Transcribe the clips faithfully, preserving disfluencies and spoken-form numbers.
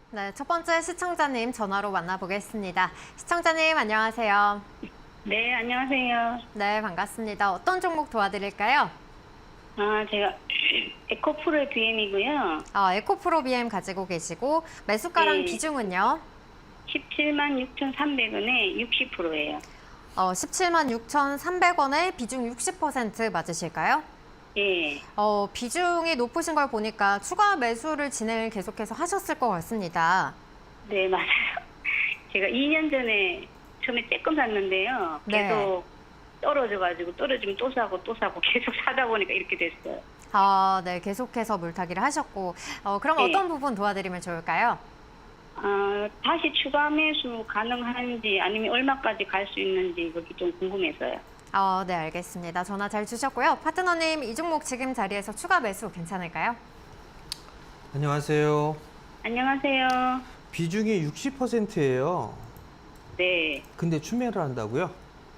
네, 첫 번째 시청자님 전화로 만나보겠습니다. 시청자님 안녕하세요. 네, 안녕하세요. 네, 반갑습니다. 어떤 종목 도와드릴까요? 아, 제가 에코프로 비엠이고요. 아, 에코프로 비엠 가지고 계시고 매수가랑 네. 비중은요? 십칠만 육천삼백 원에 육십 퍼센트예요. 어, 십칠만 육천삼백 원에 비중 육십 퍼센트 맞으실까요? 예. 어, 비중이 높으신 걸 보니까 추가 매수를 진행을 계속해서 하셨을 것 같습니다. 네, 맞아요. 제가 이 년 전에 처음에 조금 샀는데요. 네. 계속 떨어져가지고 떨어지면 또 사고 또 사고 계속 사다 보니까 이렇게 됐어요. 아, 네, 계속해서 물타기를 하셨고 어, 그럼 네. 어떤 부분 도와드리면 좋을까요? 아, 다시 추가 매수 가능한지 아니면 얼마까지 갈 수 있는지 그게 좀 궁금해서요. 어, 네, 알겠습니다. 전화 잘 주셨고요. 파트너님, 이 종목 지금 자리에서 추가 매수 괜찮을까요? 안녕하세요. 안녕하세요. 비중이 육십 퍼센트예요. 네. 근데 추매를 한다고요?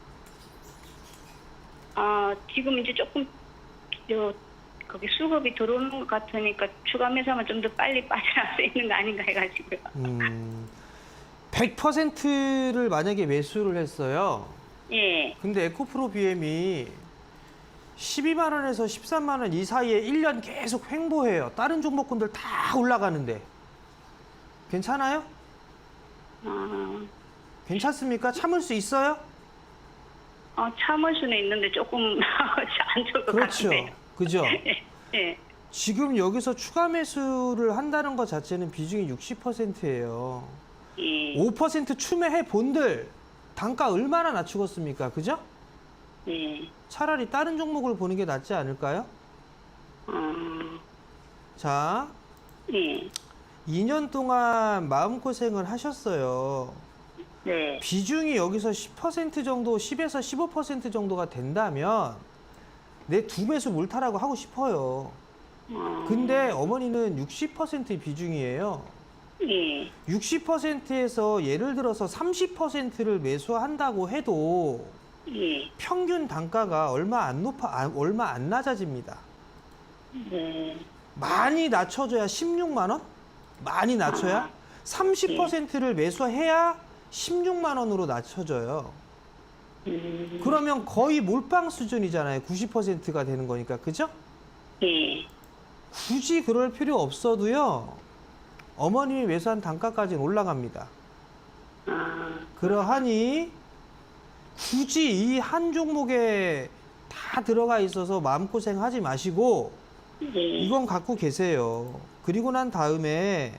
아, 지금 이제 조금 저 거기 수급이 들어오는 것 같으니까 추가 매수하면 좀 더 빨리 빠져나갈 수 있는 거 아닌가 해가지고요. 음, 백 퍼센트를 만약에 매수를 했어요. 예. 근데 에코프로 비엠이 십이만 원에서 십삼만 원 이 사이에 일 년 계속 횡보해요. 다른 종목군들 다 올라가는데. 괜찮아요? 아, 괜찮습니까? 참을 수 있어요? 어, 참을 수는 있는데 조금 안 좋을 것 그렇죠. 같은데요. 그죠? 예. 예. 지금 여기서 추가 매수를 한다는 것 자체는 비중이 육십 퍼센트예요. 예. 오 퍼센트 추매해 본들 단가 얼마나 낮추겠습니까? 그죠? 예. 차라리 다른 종목을 보는 게 낫지 않을까요? 어, 자, 예. 이 년 동안 마음고생을 하셨어요. 네. 비중이 여기서 십 퍼센트 정도, 십에서 십오 퍼센트 정도가 된다면 내 두 배수 몰타라고 하고 싶어요. 어, 근데 어머니는 육십 퍼센트 비중이에요. 예. 육십 퍼센트에서 예를 들어서 삼십 퍼센트를 매수한다고 해도 예. 평균 단가가 얼마 안 높아, 아, 얼마 안 낮아집니다. 네. 많이 낮춰줘야 십육만 원? 많이 낮춰야? 삼십 퍼센트를 매수해야 십육만 원으로 낮춰져요. 음, 그러면 거의 몰빵 수준이잖아요. 구십 퍼센트가 되는 거니까. 그죠? 예. 굳이 그럴 필요 없어도요. 어머님이 매수한 단가까지는 올라갑니다. 아, 그러하니 굳이 이 한 종목에 다 들어가 있어서 마음고생 하지 마시고 예. 이건 갖고 계세요. 그리고 난 다음에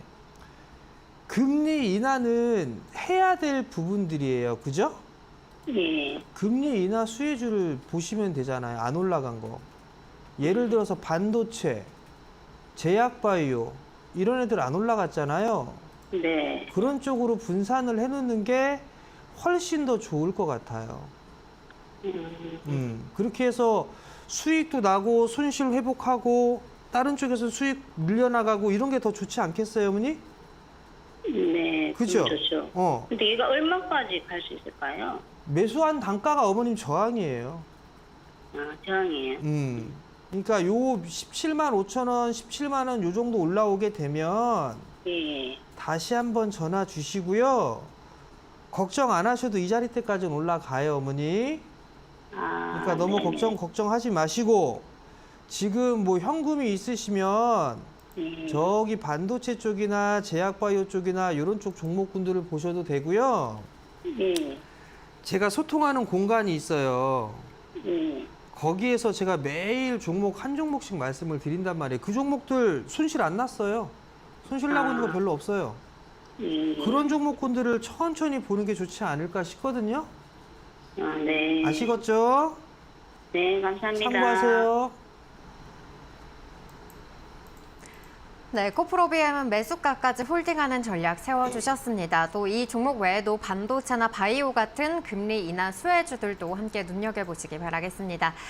금리 인하는 해야 될 부분들이에요. 그죠? 예. 금리 인하 수혜주를 보시면 되잖아요. 안 올라간 거. 예를 들어서 반도체, 제약바이오 이런 애들 안 올라갔잖아요. 네. 그런 쪽으로 분산을 해놓는 게 훨씬 더 좋을 것 같아요. 음, 음, 그렇게 해서 수익도 나고 손실 회복하고 다른 쪽에서 수익 밀려나가고 이런 게 더 좋지 않겠어요, 어머니? 네. 그죠? 좋죠. 어, 근데 얘가 얼마까지 갈 수 있을까요? 매수한 단가가 어머님 저항이에요. 아, 저항이에요. 음, 그러니까 요 십칠만 오천 원, 십칠만 원 요 정도 올라오게 되면 예. 다시 한번 전화 주시고요. 걱정 안 하셔도 이 자리 때까지는 올라가요, 어머니. 아, 그러니까 너무 네네. 걱정 걱정하지 마시고 지금 뭐 현금이 있으시면 예. 저기 반도체 쪽이나 제약바이오 쪽이나 이런 쪽 종목군들을 보셔도 되고요. 예. 제가 소통하는 공간이 있어요. 예. 거기에서 제가 매일 종목 한 종목씩 말씀을 드린단 말이에요. 그 종목들 손실 안 났어요. 손실 나고 있는 거 별로 없어요. 예. 그런 종목군들을 천천히 보는 게 좋지 않을까 싶거든요. 아, 네. 아시겠죠? 네, 감사합니다. 참고하세요. 네, 코프로비엠은 매수가까지 홀딩하는 전략 세워주셨습니다. 또 이 종목 외에도 반도체나 바이오 같은 금리 인하 수혜주들도 함께 눈여겨보시기 바라겠습니다.